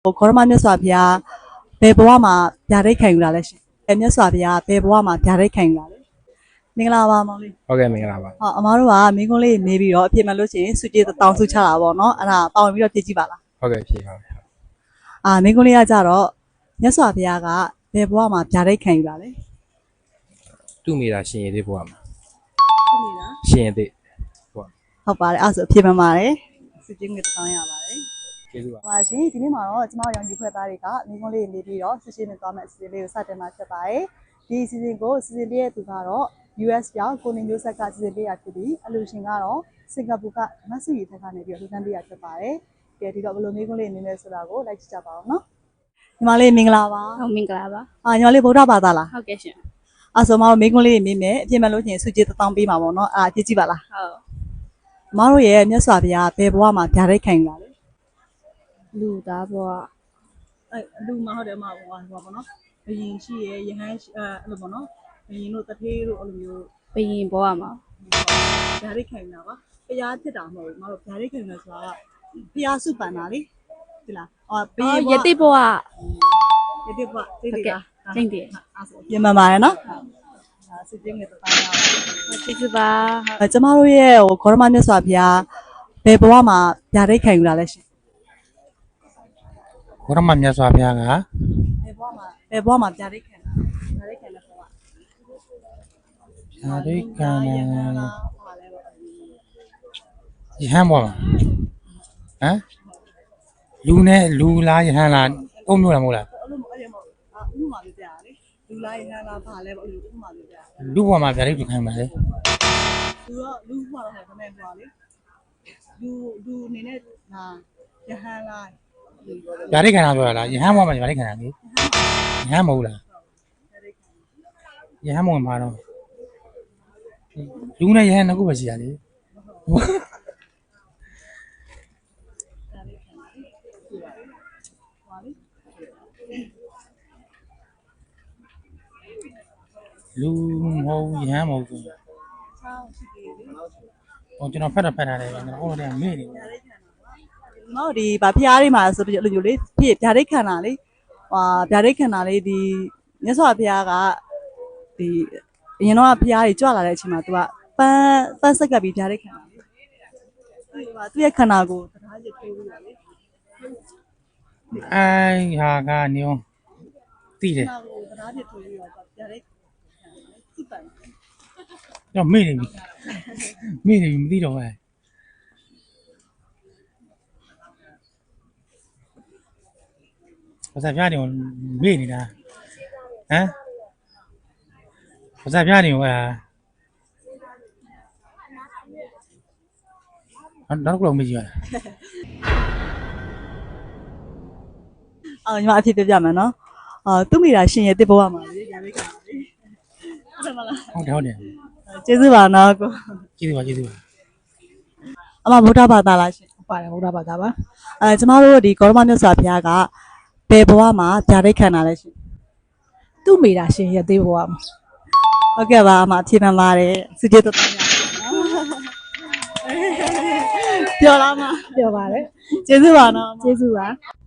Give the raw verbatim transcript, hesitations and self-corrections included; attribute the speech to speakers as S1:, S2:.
S1: ခေါရမမြတ်စွာဘုရားဘယ်ဘဝမှာဗျာဒိတ်ခံယူလာလဲရှင်။အဲမြတ်စွာဘုရားဘယ်ဘဝမှာဗျာဒိတ်ခံယူလာလဲ။မင်္ဂလာပါမောင်လေး။
S2: ဟုတ်ကဲ့မင်္ဂလာပါ
S1: ဟောအမားတို့ကမင်းကုန်းလေးမေးပြီးတော့အပြည့်မှလို့ရှိရင်စုကြည်တောင်းစုချတာပေါ့နော်။အဲ့ဒါပေါဝင်ပြီးတော့ပြည့်ကြည့်ပါလား
S2: ဟုတ်ကဲ့ဖြေပါမယ်
S1: ။အာမင်းကုန်းလေးကကြတော့မြတ်စွာဘုရားကဘယ်ဘဝမှာဗျာဒိတ်ခံယူလာလဲ။
S2: သူ့မိသားရှင်ရည်သေးဘုရားမှာ
S1: ဟုတ်ပြီလား
S2: ရှင်ရည်သေးဘုရား
S1: ဟုတ်ပါတယ်အဲ့ဒါဆိုအပြည့်မှပါတယ်စုကြည်ငွေတောင်းရပါတယ်
S2: ကျေးဇူးပါ
S1: ပါရှင်ဒီနေ့မှာတော့ကျမတို့ရောင်ကြီးခွဲသားတွေကမင်းကုန်းလေးနေပြီးတော့ဆွရှင်းနေသွားမယ့်အစီအစဉ်လေးကိုစတင်မှာဖြစ်ပါတယ်ဒီအစီအစဉ်ကိုအစီအစဉ်လေးရဲ့သူကတော့ U S ပြောင်းကိုနေမျိုးဆက်ကစီစဉ်ပေးရဖြစ်ပြီးအလူရှင်ကတော့စင်ကာပူကမဆူရီထက်ကနေပြီးတော့လူတန်းပေးရဖြစ်ပါတယ်။ကဲဒီတော့ဘယ်လိုမျိုးကုန်းလေးနေလဲဆိုတာကိုလိုက်ကြည့်ကြပါအောင်နော်။ညီမလေးမင်္ဂလာပါ
S3: ဟုတ်မင်္ဂလာပါ
S1: ။အာညီမလေးဗုဒ္ဓဘာသာလား
S3: ဟုတ်ကဲ့ရှင်
S1: ။အဲဆိုမတို့မင်းကုန်းလေးမေးမယ်အပြည့်မဲ့လို့ချင်းစုကြည်တောင်းပေးမှာပေါ့နော်။အာကြည့်ကြည့်ပါလား
S3: ဟုတ်
S1: ။မတို့ရဲ့မြတ်စွာဘုရားဘယ်ဘဝမှာဗျာဒိတ်ခံယူလာလဲ
S3: လူသားဘဝ
S1: ။အဲလူမဟုတ်တယ်မဟုတ်ဘူးဟောပေါ့နော်။ဘယင်ရှိရဲ့ယဟန်အဲအဲ့လိုပေါ့နော်။ဘယင်တို့တထေးတို့အဲ့လိုမျိုး
S3: ဘယင်ဘဝမှာ
S1: ဗျာဒိတ်ခံတာပါဘုရားဖြစ်တာမဟုတ်ဘူးမတို့ဗျာဒိတ်ခံတယ်ဆိုတာကဘုရားစုပန်တာလေဒီလားအော်ဘ
S3: အော်
S1: ရား
S3: ယတိဘဝ
S1: ယတိဘသိတယ်လား
S3: ကျင့်တယ်
S1: အဲ့ဆိုပြင်မှန်ပါတယ်နော်အဲစစ်ချင်းနဲ့တောင်းရပါ
S3: ကျေးဇူးပါ
S1: အဲကျမတို့ရဲ့ဟိုခေါရမမြတ်စွာဘုရားဘယ်ဘဝမှာဗျာဒိတ်ခံယူလာလဲရှင်
S2: ဘုရားမမြတ်စွာဘုရားက
S1: ဘယ်ဘဝမှာဘယ်ဘဝမှာဗျာဒိတ်ခံတာဗျာဒိတ်ခံတဲ့ဘဝ
S2: ဓာရိကံ
S1: ယ
S2: ယ
S1: ဟ
S2: ဟ
S1: န်
S2: န်
S1: လားဟာလဲပေါ့
S2: ဘုရားဟမ်လူနဲ့လူလားယဟန်လားအုံမျိုးလားမဟုတ်လား
S1: အဲ့လိုအဲ့လိုမဟုတ်အာဥပမာလေးပြရလေလူလားယဟန်လားဘာလဲပေါ့အဲ့လိုဥပမာလေးပြရ
S2: လူဘဝမှာဗျာဒိတ်ခံပါလေ
S1: လူတော့လူမှာတော့ခမဲပွားလေလူလူအနေနဲ့ဟာယဟန်လား
S2: ဗျာဒိတ်ခံတာပြောတာလားယဟန်ဘဝမှာဗျာဒိတ်ခံတာလေယဟန်မဟုတ်လားယဟန်မဟုတ်မှာတော့လူနဲ့ယဟန်နှစ်ခုပဲရှိရလေလူမဟုတ်ယဟန်မဟုတ်ဘူး
S1: ဆောင်းရှိသေးတယ်
S2: ဟိုကျွန်တော်ဖတ်တာဖတ်တာလေကျွန်တော်ဟိုတည်းမေ့နေတယ်
S1: ငါတို့ဒီဗာဖျားလေးမှာဆိုပြီးလိုမျိုးလေးဖြစ်ဗျာဒိတ်ခံတာလေဟာဗျာဒိတ်ခံတာလေဒီမြတ်စွာဘုရားကဒီအရင်တော့ဖျားကြီးကြွလာတဲ့အချိန်မှာ तू ကပန်းပန်းဆက်ကပ်ပြီးဗျာဒိတ်ခံတာလေသူကသူ့ရဲ့ခန္ဓာကိုတရားရထိုးပြီးတာလေ
S2: အိုင်ဟာကနေအောင်တိတယ်
S1: ခန္ဓာကိုတရားရထိုးပြီးတော့ဗျာဒိတ်စိတ်ပိုင်
S2: တော့မေ့နေပြီမေ့နေပြီမသိတော့ဘူးဘာသာပြနေမေ့နေတာဟမ်ဘာသာပြနေဟဲ့နောက်တော့မေ့ကြည့်ရ
S1: အော်ညီမအဖြစ်ပြပြမယ်နော်အာသူ့မိတာရှင်ရဲ့တစ်ဘဝမှာလေဗျာဒိတ်ခံတာလေဟုတ်တယ်မလား
S2: ဟုတ်တယ်ဟုတ်တယ်
S1: ကျေးဇူးပါနော်ကို
S2: ကျေးဇူးပါကျေးဇူးပါ
S1: အမဗုဒ္ဓဘာသာလားရှင်
S3: ပါတယ်ဘုရားဘာသာပါ
S1: အဲကျမတို့ဒီကောရမမြတ်စွာဘုရားကဘယ်ဘဝမှာဗျာဒိတ်ခံတာလဲရှင်
S3: သူ့မိသားရှင်ယတိဘဝမှာ
S1: ဟုတ်ကဲ့ပါအမအဖြစ်မှန်ပါတယ်စုကြည်တော်တော်များပြောလားမ
S3: ပြောပါတယ်
S1: ကျေးဇူးပါနော်
S3: ကျေးဇူးပါ